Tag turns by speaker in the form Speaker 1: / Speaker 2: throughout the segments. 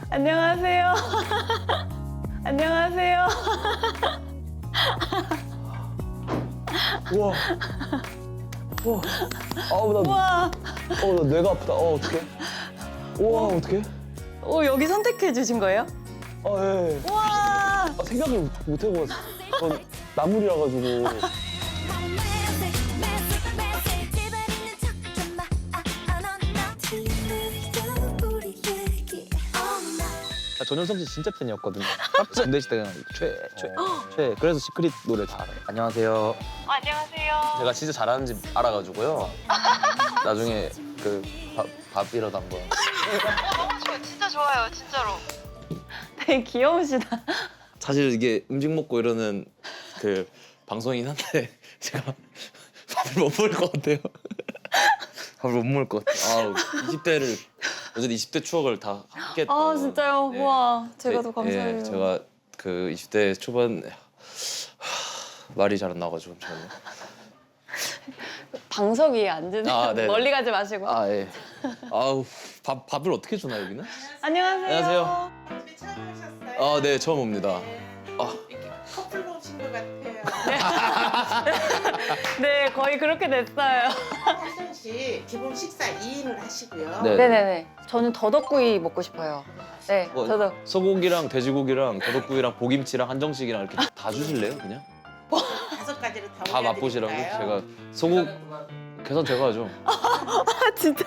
Speaker 1: 안녕하세요. 안녕하세요.
Speaker 2: 우와. 우와. 아우, 나,
Speaker 1: 우와.
Speaker 2: 나 뇌가 아프다. 어떡해. 우와, 어떡해.
Speaker 1: 여기 선택해 주신 거예요?
Speaker 2: 예.
Speaker 1: 우와.
Speaker 2: 생각을 못 해봤어. 전 나물이라 가지고. 전효성 씨 진짜 팬이었거든요. 군대 시대 그냥 최. 그래서 시크릿 노래 다 알아요. 안녕하세요.
Speaker 1: 안녕하세요.
Speaker 2: 제가 진짜 잘하는지 알아가지고요. 나중에 그 밥이라도 한번.
Speaker 3: 너무 좋아요. 진짜 좋아요. 진짜로.
Speaker 1: 되게 귀여우시다.
Speaker 2: 사실 이게 음식 먹고 이러는 그 방송이긴 한데 제가 밥을 못 먹을 것 같아요. 밥을 못 먹을 것 같아요. 20대를 어쨌든 20대 추억을 다 함께 했던.
Speaker 1: 아 진짜요?
Speaker 2: 네.
Speaker 1: 우와. 제가 더 감사해요.
Speaker 2: 예, 제가 그 20대 초반 말이 잘 안 나와가지고 저는.
Speaker 1: 방석 위에 앉으세요.
Speaker 2: 아, 네네.
Speaker 1: 멀리 가지 마시고.
Speaker 2: 아 예. 아우 밥을 어떻게 주나 여기는?
Speaker 1: 안녕하세요.
Speaker 2: 안녕하세요.
Speaker 4: 집에 처음 오셨어요?
Speaker 2: 아 네 처음 옵니다.
Speaker 4: 이렇게 커플로 오신 것 같아요.
Speaker 1: 네, 거의 그렇게 됐어요.
Speaker 4: 한정 씨 기본 식사 2인을 하시고요.
Speaker 2: 네.
Speaker 1: 네네네. 저는 더덕구이 먹고 싶어요. 네,
Speaker 2: 뭐,
Speaker 1: 더덕.
Speaker 2: 소고기랑 돼지고기랑 더덕구이랑 보김치랑 한정식이랑 이렇게 다 주실래요 그냥?
Speaker 4: 5가지를
Speaker 2: 다 맛보시라고 제가 소고 계산 제가 하죠.
Speaker 1: 아 진짜.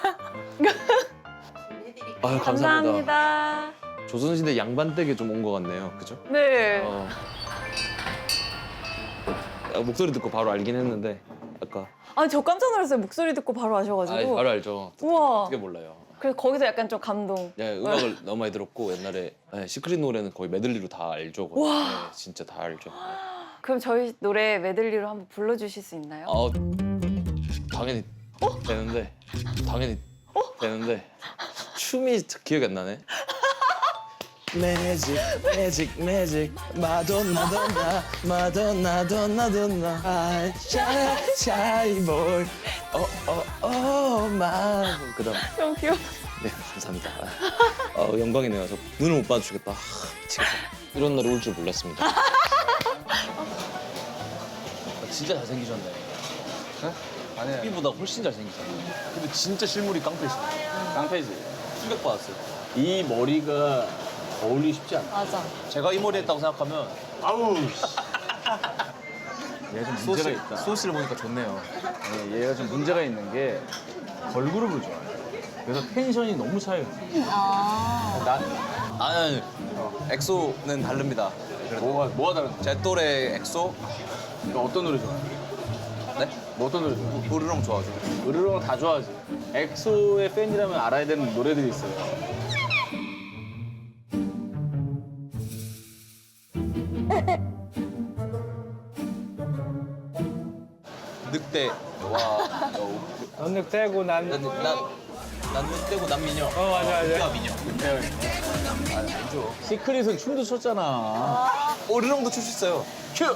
Speaker 4: 해드릴게요.
Speaker 2: 아유 감사합니다.
Speaker 1: 감사합니다.
Speaker 2: 조선시대 양반댁에 좀 온 것 같네요, 그죠?
Speaker 1: 네.
Speaker 2: 목소리 듣고 바로 알긴 했는데 아까.
Speaker 1: 아, 저 깜짝 놀랐어요. 목소리 듣고 바로 아셔가지고.
Speaker 2: 바로 알죠.
Speaker 1: 우와.
Speaker 2: 어떻게 몰라요?
Speaker 1: 그래서 거기서 약간 좀 감동.
Speaker 2: 네, 음악을 너무 많이 들었고 옛날에 시크릿 노래는 거의 메들리로 다 알죠. 거의. 네, 진짜 다 알죠.
Speaker 1: 그럼 저희 노래 메들리로 한번 불러주실 수 있나요?
Speaker 2: 당연히 되는데 되는데 춤이 기억이 안 나네. 매직 마돈나 아이 샤이보이 마 그다음
Speaker 1: 너무 귀여워.
Speaker 2: 네 감사합니다. 영광이네요. 저 눈을 못 봐주겠다. 미치겠다. 이런 날이 올 줄 몰랐습니다. 진짜 잘생기셨네. 네? 아니에요. TV보다 훨씬 잘생기셨네. 근데 진짜 실물이 깡패시네.
Speaker 5: 깡패지.
Speaker 2: 충격받았어요.
Speaker 5: 이 머리가 어울리기 쉽지 않아.
Speaker 1: 맞아.
Speaker 2: 제가 이 머리 했다고 생각하면
Speaker 5: 아우. 얘가 좀 문제가 있다.
Speaker 2: 소스를 보니까 좋네요.
Speaker 5: 네, 얘가 좀 문제가 있는 게 걸그룹을 좋아해. 그래서 텐션이 너무 차요.
Speaker 2: 아니, 엑소는 다릅니다.
Speaker 5: 뭐가 다른?
Speaker 2: 제 또래 엑소?
Speaker 5: 너 어떤 노래 좋아해?
Speaker 2: 네?
Speaker 5: 너 어떤 노래 좋아해?
Speaker 2: 으르렁 좋아하죠.
Speaker 5: 으르렁 다 좋아하지. 엑소의 팬이라면 알아야 되는 노래들이 있어요.
Speaker 2: 늑대. 와.
Speaker 5: 너는 떼고 난.
Speaker 2: 난 늑대고 난 미녀.
Speaker 5: 맞아.
Speaker 2: 늑대와 미녀.
Speaker 5: 시크릿은 춤도 췄잖아.
Speaker 2: 으르렁도 출 수 있어요.
Speaker 5: 큐.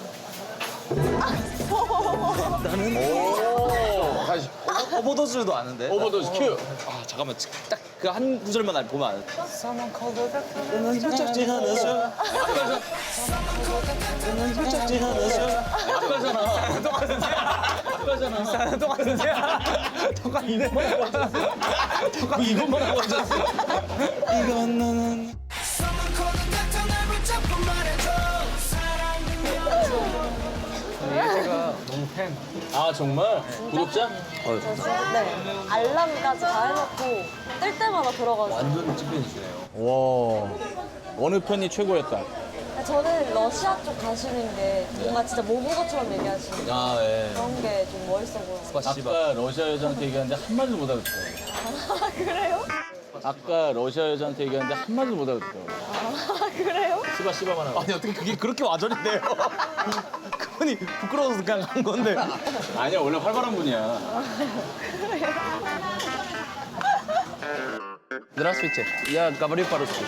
Speaker 5: 오. 다시.
Speaker 2: 오버도즈도 아는데.
Speaker 5: 오버도즈 큐.
Speaker 2: 아 잠깐만 딱 그 한 구절만 보면 알아. 너는 훌쩍지 않았어. 너는 훌쩍지 않았어.
Speaker 5: 아까잖아. 똑같은 새야. 아까잖아. 똑같은 새야. 똑같은데. 이것만 하고 앉았어.
Speaker 2: 이건 너는.
Speaker 5: 너무 팬. 아 정말? 구독자?
Speaker 1: 네. 알람까지 다 해놓고 뜰 때마다 들어가서.
Speaker 2: 완전 찐팬이시네요.
Speaker 5: 와. 어느 편이 최고였다.
Speaker 1: 저는 러시아 쪽 가시는 게 뭔가 진짜 모국어처럼 얘기하시는
Speaker 2: 아 예.
Speaker 1: 그런 게 좀 멋있어 보여요.
Speaker 5: 아까 러시아 여자한테 얘기하는데 한마디도 못 알아듣더라고.
Speaker 1: 아, 그래요?
Speaker 5: 아까 러시아 여자한테 얘기하는데 한마디도 못 알아듣더라고.
Speaker 1: 아, 그래요?
Speaker 5: 씨바만 하고.
Speaker 2: 아니 어떻게 그게 그렇게 와전인데요? 그분이 부끄러워서 그냥 한 건데.
Speaker 5: 아니야, 원래 활발한 분이야.
Speaker 2: Здравствуйте. Я говорю по-русски.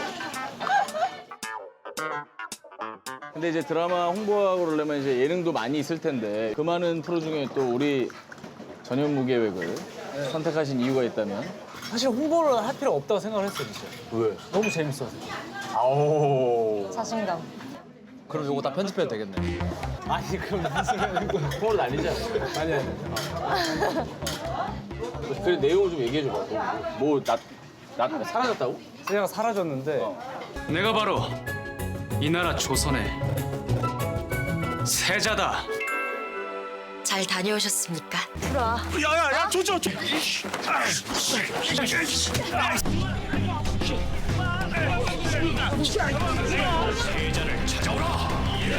Speaker 5: 근데 이제 드라마 홍보하고 그러려면 이제 예능도 많이 있을 텐데 그 많은 프로 중에 또 우리 전현무계획을 선택하신 이유가 있다면? 사실 홍보를 할 필요 없다고 생각을 했어요, 진짜.
Speaker 2: 왜?
Speaker 5: 너무 재밌어서. 아오.
Speaker 1: 자신감.
Speaker 2: 그럼 요거 다 편집해도 되겠네.
Speaker 5: 아니 그럼 무슨 홍보를 아니지 않아요? 아니.
Speaker 6: 그 내용을 좀 얘기해 줘봐. 뭐나 사라졌다고?
Speaker 5: 세자가 사라졌는데
Speaker 7: 내가 바로 이 나라 조선의 세자다.
Speaker 8: 잘 다녀오셨습니까?
Speaker 7: 야야야 조조. 세자를 찾아오라.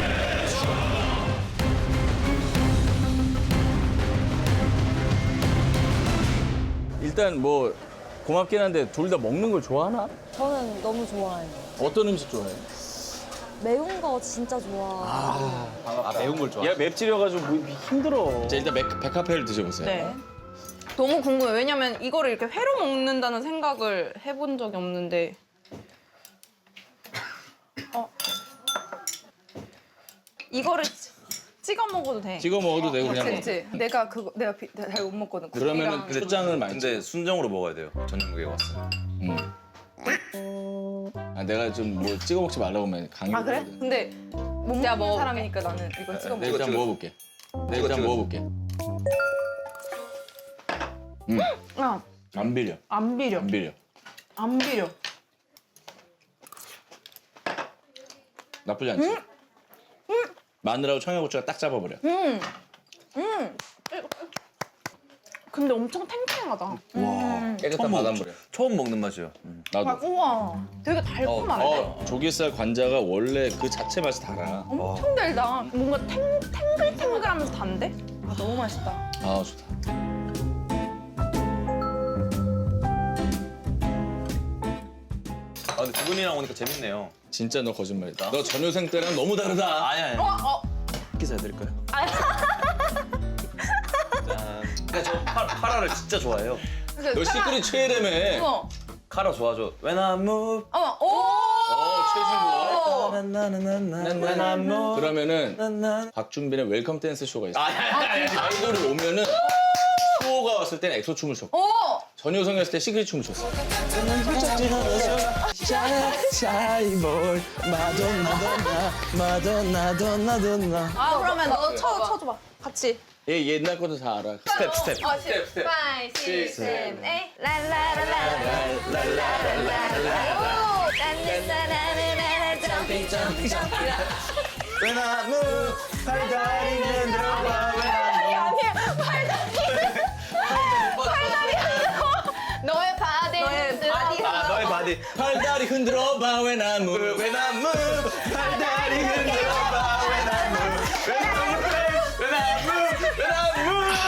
Speaker 6: 일단 뭐 고맙긴 한데 둘 다 먹는 걸 좋아하나?
Speaker 1: 저는 너무 좋아해요.
Speaker 6: 어떤 음식 좋아해?
Speaker 1: 매운 거 진짜 좋아.
Speaker 2: 매운 걸 좋아.
Speaker 6: 얘 맵찔려가지고 뭐 힘들어.
Speaker 2: 자 일단 백화페를 드셔보세요.
Speaker 3: 네. 너무 궁금해. 왜냐면 이거를 이렇게 회로 먹는다는 생각을 해본 적이 없는데. 이거를 찍어 먹어도 돼.
Speaker 6: 찍어 먹어도 되고 그냥.
Speaker 3: 그치? 내가 잘 못 먹거든.
Speaker 6: 그러면은
Speaker 3: 국이랑.
Speaker 6: 초장을 많이 찍어.
Speaker 2: 근데 순정으로 먹어야 돼요. 저녁에 왔어.
Speaker 6: 아, 내가 좀 뭐 찍어 먹지 말라고 하면 강요.
Speaker 3: 아 그래? 근데 못 먹는 사람이니까 나는 이걸 찍어
Speaker 6: 내가
Speaker 3: 먹어.
Speaker 6: 일단 먹어볼게. 내가 일단 먹어볼게.
Speaker 3: 야,
Speaker 6: 안 비려.
Speaker 3: 안 비려.
Speaker 6: 안 비려.
Speaker 3: 안 비려.
Speaker 6: 나쁘지 않지? 마늘하고 청양고추가 딱 잡아버려.
Speaker 3: 근데 엄청 탱탱하다.
Speaker 6: 깨끗한 바닷물이야.
Speaker 2: 처음 먹는 맛이에요.
Speaker 6: 나도.
Speaker 3: 우와, 되게 달콤하네.
Speaker 6: 조개살 관자가 원래 그 자체 맛이 달아.
Speaker 3: 엄청 달다. 뭔가 탱글탱글하면서 단데? 아, 너무 맛있다.
Speaker 6: 아 좋다.
Speaker 2: 아 근데 두 분이랑 오니까 재밌네요.
Speaker 6: 진짜 너 거짓말이다. 너 전효생 때랑 너무 다르다.
Speaker 2: 아니. 기사 해드릴까요? 짠. 근데 저 카라를 진짜 좋아해요.
Speaker 6: 너 시크릿 최애라며.
Speaker 3: 어머,
Speaker 2: 카라 좋아하죠. When I move.
Speaker 3: 어머, 오!
Speaker 6: 최신곡.
Speaker 2: When I move.
Speaker 6: 그러면은 박준빈의 웰컴 댄스 쇼가 있어. 아이돌이 오면은 수호가 왔을 때는 엑소 춤을 췄고
Speaker 3: 오!
Speaker 6: 전효성이었을 때 시크릿 춤을 췄어.
Speaker 3: 아, 그러면 너 쳐줘봐. 같이.
Speaker 6: 얘 옛날 것도 다 알아.
Speaker 2: 스텝.
Speaker 6: 스텝.
Speaker 3: 5, 6, 7, 8. 랄라라라라라라라라. 딴 사람은 알아도
Speaker 2: When I move. 팔다리는 들어봐.
Speaker 3: 아니야, 너의 바디
Speaker 2: 너의 바디.
Speaker 6: 팔다리 흔들어봐 when I move.
Speaker 2: When I move. 팔다리 흔들어봐. When I move. When I move. When I move. When I move.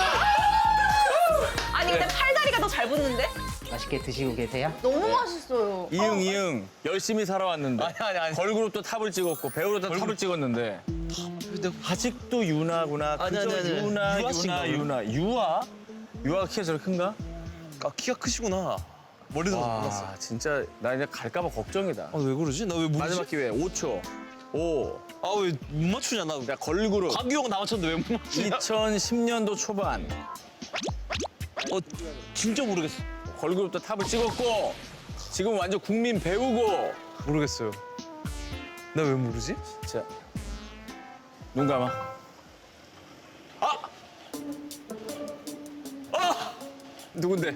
Speaker 3: 아니 근데 팔다리가 더 잘 붙는데?
Speaker 9: 맛있게 드시고 계세요?
Speaker 3: 너무 맛있어요.
Speaker 6: 이응 열심히 살아왔는데
Speaker 2: 아니.
Speaker 6: 걸그룹도 탑을 찍었고 배우로도 탑을 찍었는데 아직도 유나구나. 그저
Speaker 2: 아니.
Speaker 6: 유나
Speaker 2: 유아씨인가,
Speaker 6: 유아? 유아가 키가 저렇게 큰가?
Speaker 2: 아 키가 크시구나. 머리도 몰랐어.
Speaker 6: 아 진짜 나 이제 갈까봐 걱정이다.
Speaker 2: 왜 그러지? 나 왜 모르지?
Speaker 6: 마지막 기회 5초. 5.
Speaker 2: 아 왜 못 맞추냐 나.
Speaker 6: 야 걸그룹
Speaker 2: 곽규영 나 맞췄는데 왜 못 맞추냐?
Speaker 6: 2010년도 초반
Speaker 2: 진짜 모르겠어.
Speaker 6: 걸그룹도 탑을 찍었고 지금 완전 국민 배우고.
Speaker 2: 모르겠어요. 나 왜 모르지?
Speaker 6: 자, 눈 감아. 누군데?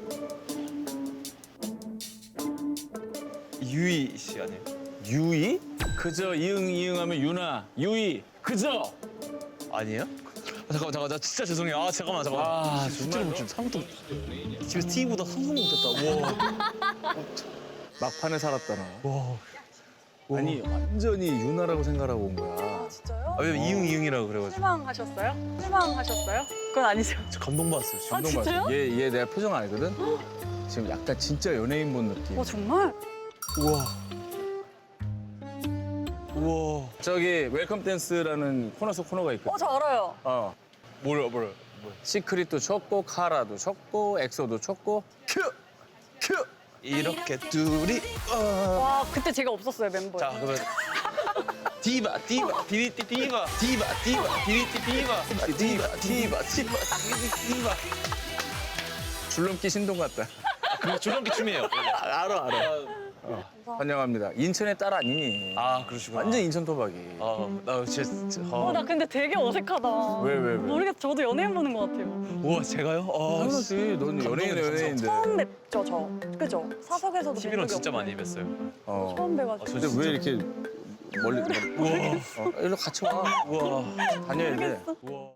Speaker 2: 유희 씨 아니에요?
Speaker 6: 유이? 그저 이응하면 유나. 유이. 그저.
Speaker 2: 아니에요? 잠깐만 나 진짜 죄송해요. 아 잠깐만.
Speaker 6: 아,
Speaker 2: 진짜
Speaker 6: 정말
Speaker 2: 못 좀 상도 집에서 TV보다 상상 못했다. 와.
Speaker 6: 막판에 살았다 나. 아니 완전히 유나라고 생각하고 온 거야.
Speaker 1: 진짜요?
Speaker 2: 아, 왜 이응이라고 그래가지고.
Speaker 1: 실망하셨어요? 실망하셨어요? 그건 아니죠.
Speaker 2: 저 감동받았어요. 진짜.
Speaker 6: 감동 받았어. 얘 내가 표정 알거든. 지금 약간 진짜 연예인 본 느낌.
Speaker 1: 정말?
Speaker 2: 우와.
Speaker 6: 저기 웰컴 댄스라는 코너 속 코너가 있거든.
Speaker 1: 저 알아요.
Speaker 2: 뭐야.
Speaker 6: 시크릿도 쳤고 카라도 쳤고 엑소도 쳤고
Speaker 2: 큐. 이렇게 둘이.
Speaker 1: 와, 그때 제가 없었어요, 멤버에.
Speaker 2: 자 그러면 디바 디리티 디바 디리티 디바
Speaker 6: 줄넘기 신동 같다.
Speaker 2: 그 줄넘기 춤이에요.
Speaker 5: 알아. 환영합니다. 인천의 딸 아니니?
Speaker 2: 아 그러시구나.
Speaker 5: 완전 인천 토박이.
Speaker 2: 나 진짜.
Speaker 1: 나 근데 되게 어색하다.
Speaker 5: 왜?
Speaker 1: 모르겠어. 저도 연예인 보는 것 같아요.
Speaker 2: 우와 제가요?
Speaker 5: 당연하지. 넌 연예인인데.
Speaker 1: 처음 뵙죠, 저. 그죠? 사석에서도 뵌
Speaker 2: TV로
Speaker 1: 적이
Speaker 2: 진짜
Speaker 1: 없고.
Speaker 2: 많이 뵀어요.
Speaker 1: 처음 뵈가지고.
Speaker 5: 근데 왜 이렇게 멀리? 우와. 일로 같이 와. 우와. 다녀야 돼.
Speaker 2: 우와.